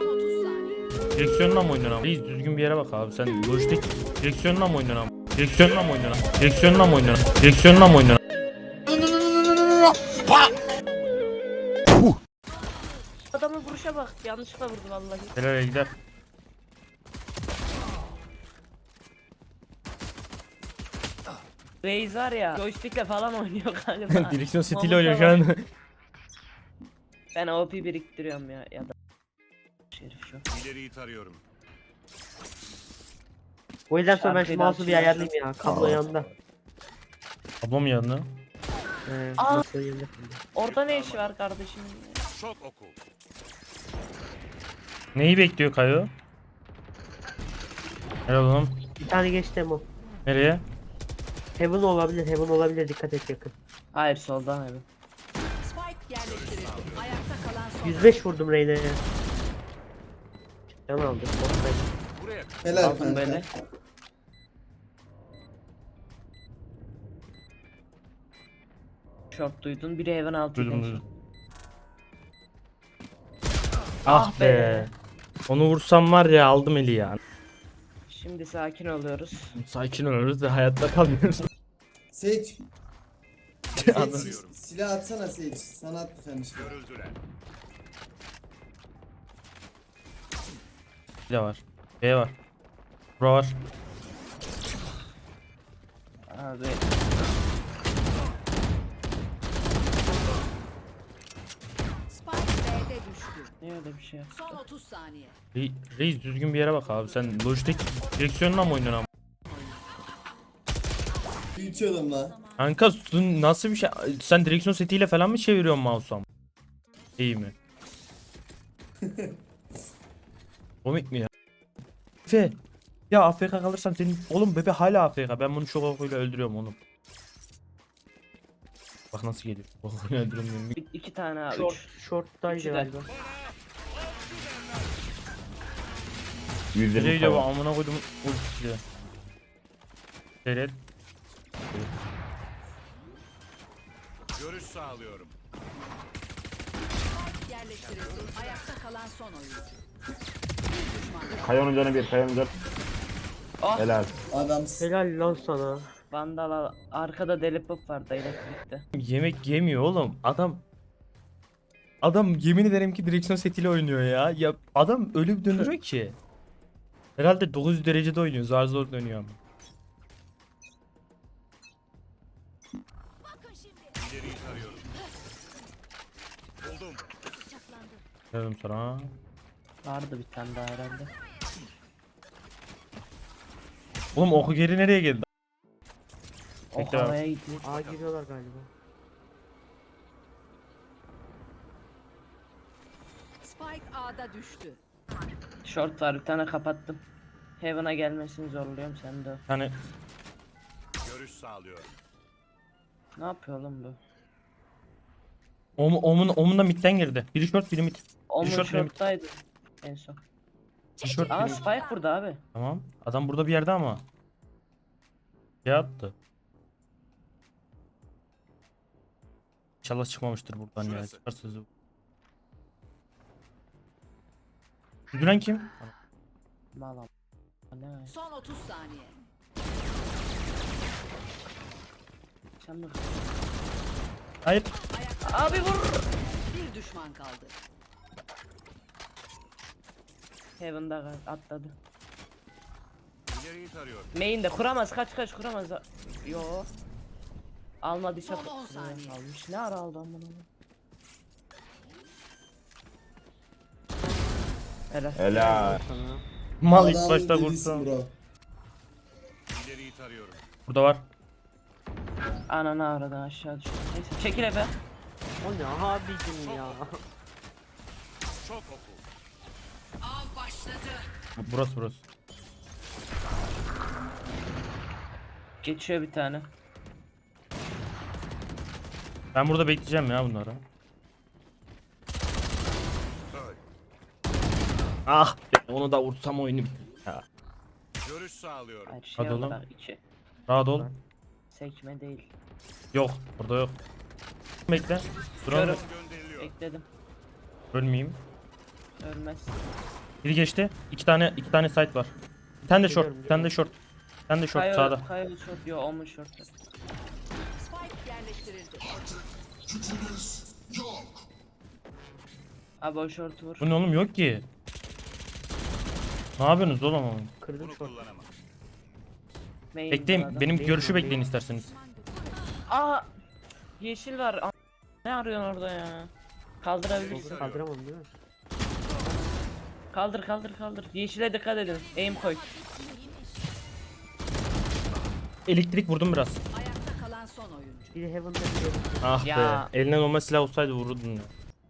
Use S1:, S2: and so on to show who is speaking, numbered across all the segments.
S1: Direksiyonla mı oynuyorsun ama? Reis düzgün bir yere bak abi. Sen lojistik direksiyonla mı oynuyorsun ama? Direksiyonla mı oynuyorsun? Direksiyonla mı oynuyorsun? Direksiyonla mı oynuyorsun?
S2: Adamın vuruşa bak. Yanlışlıkla vurdu vallahi.
S1: Nereye gider?
S2: Reis var ya. Joystick'le falan oynuyor kanka.
S1: Direksiyon setiyle
S2: Mamuta
S1: oynuyor şu
S2: var.
S1: an.
S2: Ben OP biriktiriyorum ya da. Şerif şu.
S3: İleriyi tarıyorum.
S4: O yüzden sonra ben şu
S2: Şarkıyla
S4: mouse'u bir
S2: açıyor.
S4: ayarlayayım ya. Kablo yanında.
S1: Ablam yanına.
S2: Aa!
S4: Nasıl yanında?
S2: Orada ne işi var kardeşim?
S3: Şok oku.
S1: Neyi bekliyor Kayo? Helal oğlum.
S4: Bir tane geçti Emo.
S1: Nereye?
S4: Heaven olabilir, Heaven olabilir. Dikkat et yakın.
S2: Hayır soldan abi.
S5: Spike yerleştirildi. Ayakta kalan son.
S4: 105 vurdum Reyna'ya. Can aldım.
S3: Buraya.
S6: Helal
S2: Aldım
S6: kanka.
S2: böyle. Short duydun. Biri evin altı.
S1: Duydum duydum. Ah be. Onu vursam var ya aldım eli ya.
S2: Şimdi sakin oluyoruz.
S1: Sakin oluruz da hayatta kalmıyoruz.
S6: Sage. Sage
S1: Anladım.
S6: silah atsana Sage. Sana at bir tane şey.
S3: Görüldüler.
S1: Bir de var. B var. Bura var.
S2: Abi.
S5: Spike B'de düştü.
S2: Ne öyle bir şey yap.
S5: Son 30 saniye.
S1: Reis düzgün bir yere bak abi. Sen lojistik direksiyonla mı oynuyorsun ama?
S6: Büyütüyorum lan.
S1: Kanka nasıl bir şey? Sen direksiyon setiyle falan mı çeviriyorsun mouse'u ama? İyi mi? Komik mi ya? Efe. Ya AFK kalırsan senin... Oğlum bebe hala AFK. Ben bunu şok okuyla öldürüyorum oğlum. Bak nasıl geliyor. Okuyla öldürüyorum.
S2: İki tane abi.
S4: Short,
S2: Üç.
S4: short'taydı
S2: Üçü de.
S4: galiba.
S1: Nereye gidiyor bu amına koydum ultisi. Seyret.
S3: Görüş sağlıyorum.
S5: Yerleştirildi. Ayakta kalan son oyuncu.
S7: Kayonun canı bir, kayonun canı.
S2: Oh.
S7: Helal.
S6: Adam
S4: Helal lan sana.
S2: Vandal arkada deli pop vardı elektrikte.
S1: Yemek yemiyor oğlum. Adam yemin ederim ki direksiyon setiyle oynuyor ya. Ya adam öyle bir dönüyor ki. Herhalde 900 derecede oynuyor. Zar zor dönüyor ama.
S3: İleriyi tarıyorum. Buldum.
S1: Dedim sana.
S2: Vardı bir tane daha herhalde.
S1: Oğlum oku geri nereye geldi?
S2: O
S1: Bekle abi.
S2: havaya gidiyor.
S4: A giriyorlar galiba.
S5: Spike A'da düştü.
S2: Short var bir tane kapattım. Heaven'a gelmesini zorluyorum sen de.
S1: Hani
S3: Görüş sağlıyorum.
S2: Ne yapıyor oğlum bu?
S1: omunda midden girdi. Biri short biri mid.
S2: Onun
S1: short, biri mid.
S2: short'taydı en son.
S1: Biri short
S2: Aa
S1: biri mid.
S2: Spike burada abi.
S1: Tamam. Adam burada bir yerde ama. Ya attı. İnşallah çıkmamıştır buradan ya.
S3: Şurası.
S1: Çıkar sözü. Gülen kim?
S2: Malam. Ne?
S5: Son 30 saniye.
S2: Sen mi?
S1: Hayır.
S5: Ayakta
S2: Abi vur.
S5: bir düşman kaldı.
S2: Heaven'da atladı.
S3: İleriyi tarıyorum.
S2: Main'de kuramaz kaç kuramaz. Yo. Almadıysa
S5: Son 10 saniye.
S2: almış. Ne ara aldı amına? Helal.
S7: Helal.
S1: Mal ilk
S6: adam
S1: başta
S6: delisin
S1: kurtu.
S6: bro.
S3: İleriyi tarıyorum.
S1: Burada var.
S2: Ananı aradan aşağı düştü. Neyse çekil Efe.
S4: O ne abicim ya.
S3: Şok oku.
S5: Av başladı.
S1: Burası.
S2: Geçiyor bir tane.
S1: Ben burada bekleyeceğim ya bunları.
S3: Öl.
S1: Ah! Onu da vursam oyunu bitir. Ya.
S3: Görüş sağlıyorum.
S2: Hayır şey
S1: Hadi
S2: oldu
S1: oğlum.
S2: bak 2.
S1: Rahat ol.
S2: Sekme değil.
S1: Yok. Burada yok. Bekle. Duralım.
S2: Körüm.
S3: Gönderiliyor.
S2: Bekledim.
S1: Ölmeyeyim.
S2: Ölmez.
S1: Biri geçti. İki tane site var. Bir tane de short.
S4: Geliyorum,
S1: Bir tane de short. Bir tane de short sağda.
S2: Kayo short. Yo o mu short?
S5: Spike yerleştirildi.
S2: Abi o short vur.
S1: Bu ne oğlum, yok ki. Ne yapıyorsunuz oğlum?
S4: Kırdım
S3: Bunu
S4: short.
S3: kullanamam.
S2: Main
S1: Bekleyin,
S2: adam.
S1: benim
S4: Değil
S1: görüşü
S4: mi?
S1: bekleyin isterseniz.
S2: Aa! Yeşil var. Ne arıyorsun orada ya? Kaldırabilirsin.
S4: Kaldıramam değil mi?
S2: Kaldır. Yeşile dikkat edin. Aim koy.
S1: Elektrik vurdum biraz.
S5: Ayakta kalan son oyuncu.
S4: Biri Heaven'da biri
S1: Ah
S2: Ya.
S1: be. Eline normal silah olsaydı vururdun ya.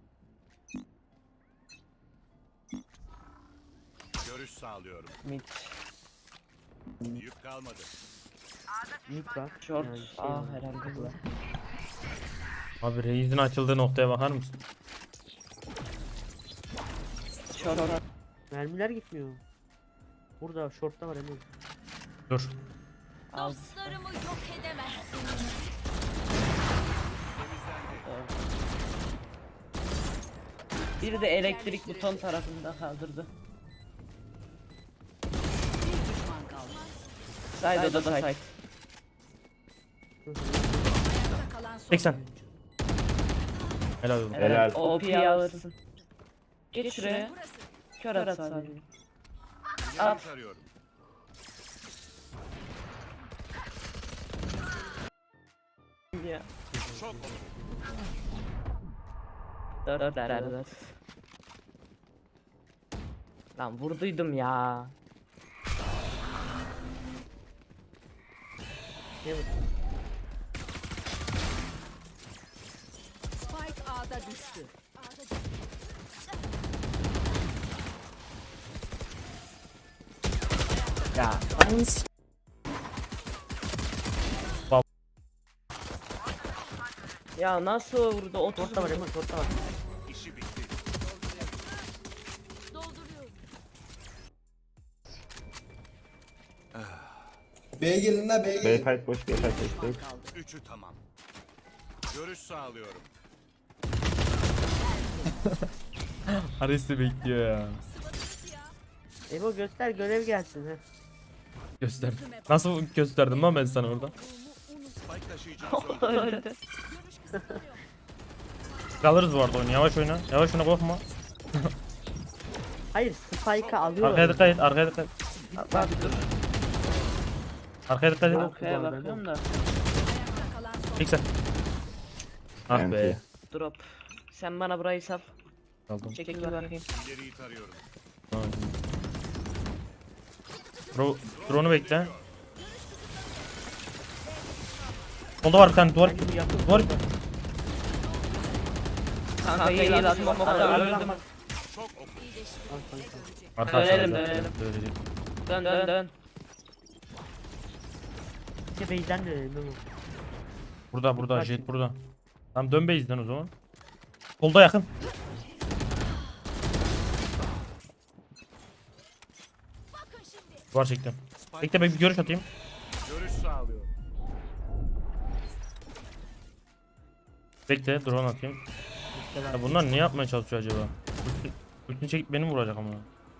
S3: Görüş sağlıyorum.
S2: Mid.
S3: Yük kalmadı.
S4: mid var.
S2: Short.
S4: Yani şey
S2: Aa
S4: var.
S2: herhalde.
S1: Abi Reis'in açıldığı noktaya bakar mısın?
S2: Short.
S4: Mermiler gitmiyor. Burada short'ta var Emre.
S1: Dur.
S2: Az.
S7: Dostlarımı yok edemezsiniz.
S2: Biri de elektrik buton tarafında kaldırdı.
S5: Bir düşman kaldı.
S2: Side o da side.
S5: Ayakta kalan son
S1: 80.
S5: oyuncu.
S1: Helal olsun.
S2: Helal. OP'yi alırsın. Geç şuraya. Kör at sadece.
S3: İleriyi
S2: At.
S3: tarıyorum.
S2: Ya.
S3: Çok oku.
S2: Dört. Lan vurduydum ya.
S5: Spike A'da düştü.
S2: Ya.
S1: Bab-
S2: Ya nasıl vurdu? 30
S4: Short'ta var Emre, short'ta var.
S3: İşi bitti.
S7: Dolduruyorum.
S6: B'ye gelin la B'ye gelin.
S8: Fight boş, B fight boş değil.
S5: Kaldı.
S3: Üçü tamam. Görüş sağlıyorum.
S1: Ares'i bekliyor ya.
S4: Ebo göster görev gelsin ha.
S1: Göster. Nasıl gösterdim lan ben sana orada?
S3: Spike taşıyıcımız öldü.
S2: öldü.
S1: Alırız bu arada oyunu. Yavaş oyna. Yavaş oyna, korkma.
S4: Hayır Spike'ı alıyor.
S1: Arkaya dikkat et. Arkaya dikkat et.
S2: Bak dur.
S1: Arkaya dikkat et.
S2: Arkaya bakıyorum da.
S5: Ayakta kalan son
S1: 80. Ah be.
S8: Enti.
S2: Drop. Sen bana burayı sal.
S1: Aldım.
S2: Çekil bakayım.
S3: İleriyi tarıyorum.
S1: Drone'u bekle. Solda var bir tane duvar. Duvar.
S2: Kanka iyi atma o kadar öldüm.
S3: Çok oku.
S1: Arkadaşlar.
S2: Dönelim. Dön.
S4: İşte base'den dönelim Ebo.
S1: Burada jet burada. Tamam dön base'den o zaman. Solda yakın. Duvar çektim. Bekle bir görüş atayım.
S3: Görüş sağlıyorum.
S1: Bekle drone atayım. Ya bunlar ne yapmaya çalışıyor acaba? Ultini çekip beni vuracak ama.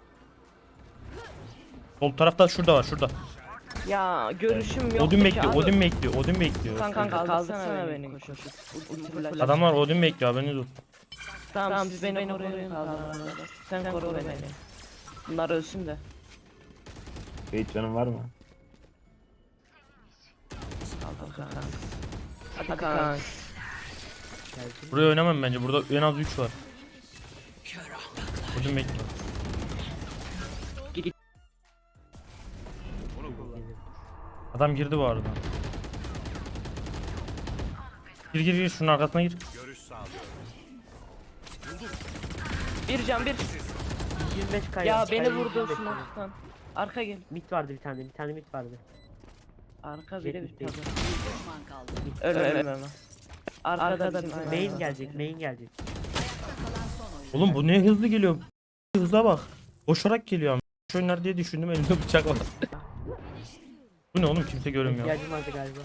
S1: Sol tarafta şurada var şurada.
S2: Ya görüşüm yok.
S1: Odin bekliyor, Odin bekliyor, Odin bekliyor.
S2: Kanka kaldırsana beni. Koşup.
S1: Adamlar Odin bekliyor, haberiniz olsun.
S2: Tamam siz beni koruyun. Sen koru beni. Bunlar ölsün de.
S8: Hiç canın var mı?
S2: Hadi kanka.
S1: Buraya oynamam bence, burada en az 3 var. Odin bekliyor. Adam girdi bu arada. Gir şunun arkasına gir.
S3: Görüş sağlıyorum.
S2: Bir can bir.
S4: 25 kaya.
S2: Ya beni
S4: Kaya
S2: vurdu
S4: 25 kaya.
S2: smoke'tan. Arka gel.
S4: Mid vardı bir tane mid vardı.
S2: Arka biri bir
S4: Jet değil.
S2: tabi.
S5: düşman kaldı.
S2: Ölme. Arkada da bir
S4: Main gelecek.
S5: Kalan son oyuncu.
S1: Oğlum bu ne hızlı geliyor. Hızla bak. Koşarak geliyor ama. Şu oyunlar diye düşündüm, elimde bıçak var. Bu ne oğlum, kimse görünmüyor.
S4: İhtiyacım vardı galiba.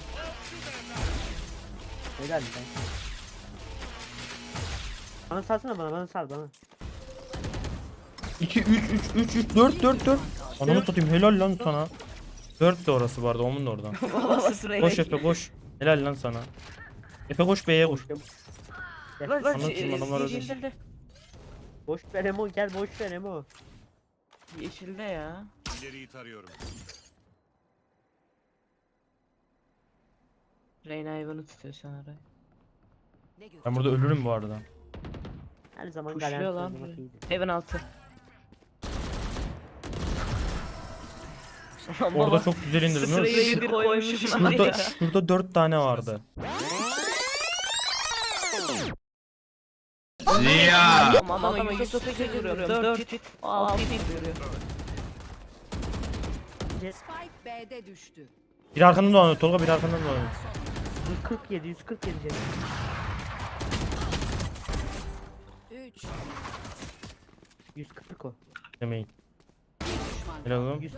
S4: Helal be. Bana salsana bana sal bana.
S1: 2 3 4 4. Ananı satayım, helal lan sana. 4 de orası vardı, onun da oradan.
S2: Babası sırayı
S1: Koş Efe koş. Helal lan sana. Efe koş B'ye koş. Anlatayım, adamlar öldü.
S2: Yeşilde.
S4: Boş ver Emo, gel boş ver Emo.
S2: Yeşilde ya.
S3: İleriyi tarıyorum.
S2: Reyna hayvanı tutuyor şu an arayı.
S5: Ne gör?
S1: Ben burada ölürüm bu arada.
S4: Her zaman
S2: Kuşluyor
S4: garanti
S2: lan.
S4: olmak iyidir.
S2: Hayvan altı.
S1: Orada çok güzel indirdim. değil mi?
S2: Sırayı bir koymuşum var
S1: Şurada,
S2: ya.
S1: şurada 4 tane vardı.
S2: Ama 138 vuruyorum. 4 hit. 6 hit vuruyor.
S5: Spike B'de düştü.
S1: Bir arkandan dolanıyor Tolga, bir arkandan dolanıyor.
S4: 147 canım.
S5: 3.
S4: 140 o.
S1: Demeyin.
S5: Düşman.
S1: Helal oğlum.
S4: 140.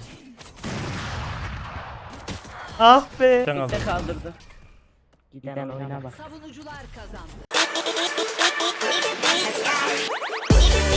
S1: Ah be. Sen
S2: Bir de
S1: aldın.
S2: kaldırdı. Giden oyuna bak.
S5: Savunucular kazandı.